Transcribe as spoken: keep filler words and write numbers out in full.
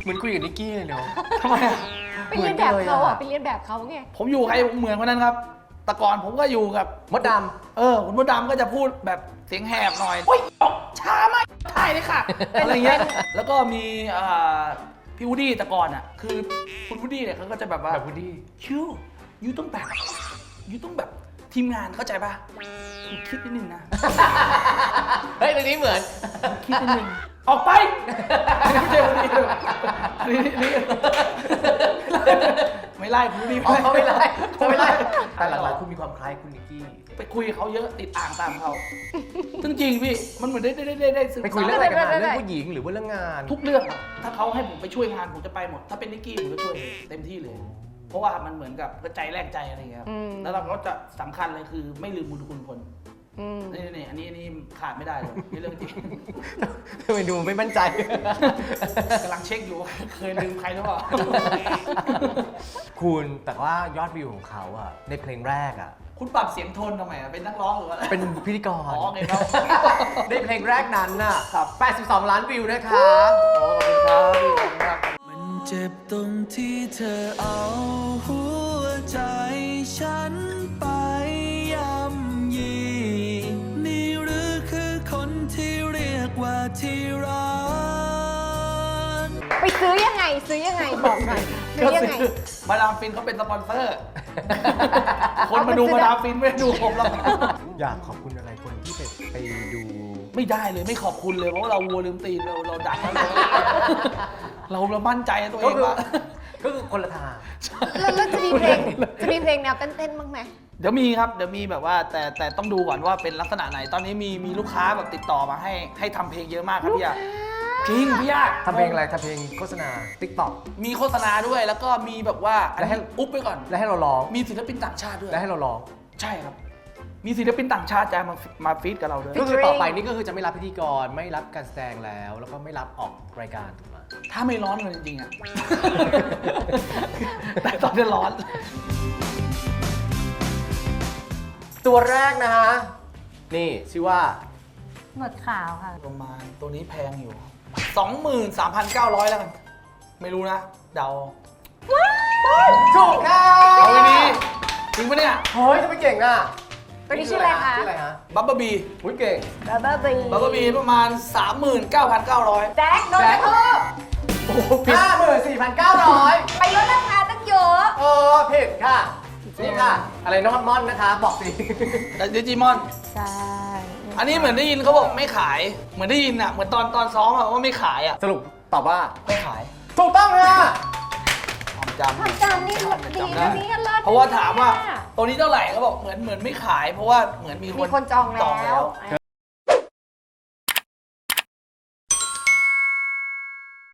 เหมือนคุยกับนิกกี้เลยเนาะทำไมอะไปเรียนแบบเขาอ่ะไปเรียนแบบเขาไงผมอยู่ใครผมเหมือนคนนั้นครับแต่ก่อนผมก็อยู่กับมดดเออคุณมดดำก็จะพูดแบบเสียงแหบหน่อยโอ๊ยช้ามากถ่ายเลยค่ะอะไรเงี้ยแล้วก็มีอ่าพี่วูดดี้แต่ก่อนอ่ะคือคุณวูดดี้เนี่ยเขาก็จะแบบำว่าแบบพูดดีคิวยูต้องแบบยูต้องแบบทีมงานเข้าใจป่ะคุณคิดนิดนึงนะเฮ้ยตรงนี้เหมือนคิดนิดนึงออกไปไม่ใช่วูดดี้นี่นี่ไม่ไล่คุณวูดดี้อ๋อเขาไม่ไล่เขาไม่ไล่แต่หลังๆคุณมีความคล้ายคุณนิกกี้ไปคุยกับเขาเยอะติดอ่างตามเขาจริงๆพี่มันเหมือนได้ได้ได้ได้ศึกษาไปคุยเรื่องอะไรกันมาเรื่องผู้หญิงหรือว่าเรื่องงานทุกเรื่องอะถ้าเขาให้ผมไปช่วยงานผมจะไปหมด ถ้าเป็นนิกกี้ผมจะช่วยเต็มที่เลย เพราะว่ามันเหมือนกับกระใจแลกใจอะไรอย่างเงี้ยครับอืมแล้วเราก็จะสำคัญเลยคือไม่ลืมบุญคุณคนอืมนี่นี่อันนี้อันนี้ขาดไม่ได้เลยนี่เรื่องจริงทำไมดูไม่มั่นใจกำลังเช็คอยู่ว่าเคยลืมใครหรือเปล่าคุณแต่ว่ายอดวิวของเขาอะในเพลงแรกอะคุณปรับเสียงโทนทำไมอะเป็นนักร้องหรือว่าเป็นพิธีกรอ๋อไงครับในเพลงแรกนั้นน่ะครับแปดสิบสองล้านวิวนะคะโอ้ขอบคุณครับมันเจ็บตรงที่เธอเอาหัวใจฉันไปย่ำยีนี่หรือคือคนที่เรียกว่าที่รักไปซื้อยังไงซื้อยังไงบอกหน่อยซื้อยังไงมาดามฟินเขาเป็นสปอนเซอร์ คนมาดูมาดามฟินไม่ได้ดูผมหรอกอยากขอบคุณอะไรคนที่ไปไปดูไม่ได้เลยไม่ขอบคุณเลยเพราะว่าเราวัวลืมตีนเราเราดังแล้วเราเราเรามั่นใจในตัวเองว่าก็คือคนละทางแล้วแล้วจะมีเพลงจะมีเพลงแนวเต้นๆบ้างไหมเดี๋ยวมีครับเดี๋ยวมีแบบว่าแต่แต่ต้องดูก่อนว่าเป็นลักษณะไหน ตอนนี้มีมีลูกค้าแบบติดต่อมาให้ให้ทำเพลงเยอะมากครับพี่ยาจริงพี่ยาทำเพลงอะไรทำเพลงโฆษณา TikTok มีโฆษณาด้วยแล้วก็มีแบบว่าอันแล้วให้นี้อุ๊บไปก่อนแล้วให้เราร้องมีศิลปินต่างชาติด้วยแล้วให้เราร้องใช่ครับ มีศิลปินต่างชาติจะมามาฟีดกับเราด้วยก็คือต่อไปนี่ก็คือจะไม่รับพิธีกรไม่รับการแสดงแล้ว แล้วก็ไม่รับออกรายการถูกไหมถ้าไม่ร้อนเลยจริงๆอ่ะ แต่ตอนนี้ร้อนตัวแรกนะฮะ นี่ชื่อว่าหนวดขาวค่ะประมาณตัวนี้แพงอยู่ สองหมื่นสามพันเก้าร้อย แล้วกัน ไม่รู้นะ เดาถูกค่ะเอาไว้ดีจริงปะเนี่ยเฮ้ยจะไม่เก่งอ่ะตัวนี้ชื่ออะไรคะชื่ออะไรฮะบับเบิ้ลบีอุ้ยเก่งบับเบิ้ลบีบับเบิ้ลบีประมาณ สามหมื่นเก้าพันเก้าร้อยแจ็คโดนกระทืบโอ้โหผิดห้าหมื่นสี่พันเก้าร้อยไปลดราคาตั้งเยอะเออผิดค่ะ นี่ค่ะ อะไรน้องมอนนะคะ บอกสิแต่ดิจิมอนใช่อันนี้เหมือนได้ยินเขาบอกไม่ขาย เหมือนได้ยินอ่ะ เหมือนตอนตอนซ้อมอะว่าไม่ขายอ่ะสรุปตอบว่าไม่ขายถูกต้องค่ะความจำความจำนี่ดีจำนะได้นี่เลิศเพราะว่าถามว่าตัวนี้เท่าไหร่เขาบอกเหมือนเหมือนไม่ขาย เพราะว่าเหมือนมีมีคนจองแล้วเธ